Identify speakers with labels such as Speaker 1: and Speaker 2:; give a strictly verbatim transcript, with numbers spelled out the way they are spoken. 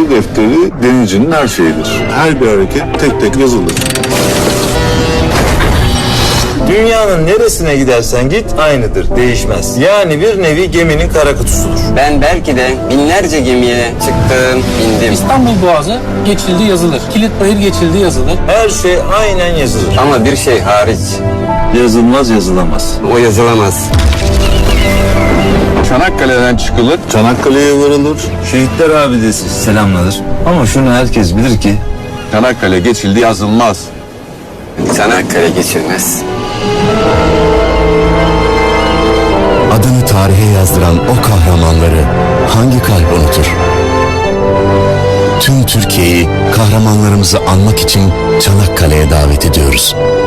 Speaker 1: Seyir defteri denizcinin her şeyidir. Her bir hareket tek tek yazılır.
Speaker 2: Dünyanın neresine gidersen git aynıdır, değişmez. Yani bir nevi geminin kara kutusudur.
Speaker 3: Ben belki de binlerce gemiye çıktım, bindim.
Speaker 4: İstanbul Boğazı geçildi yazılır. Kilitbayır geçildi yazılır.
Speaker 2: Her şey aynen yazılır.
Speaker 3: Ama bir şey hariç,
Speaker 2: Yazılmaz, yazılamaz.
Speaker 3: o yazılamaz.
Speaker 1: Çanakkale'den çıkılır, Çanakkale'ye varılır.
Speaker 2: Şehitler abidesi selamlanır. Ama şunu herkes bilir ki
Speaker 1: Çanakkale geçildi yazılmaz.
Speaker 3: Çanakkale geçilmez.
Speaker 5: Adını tarihe yazdıran o kahramanları hangi kalp unutur? Tüm Türkiye'yi kahramanlarımızı anmak için Çanakkale'ye davet ediyoruz.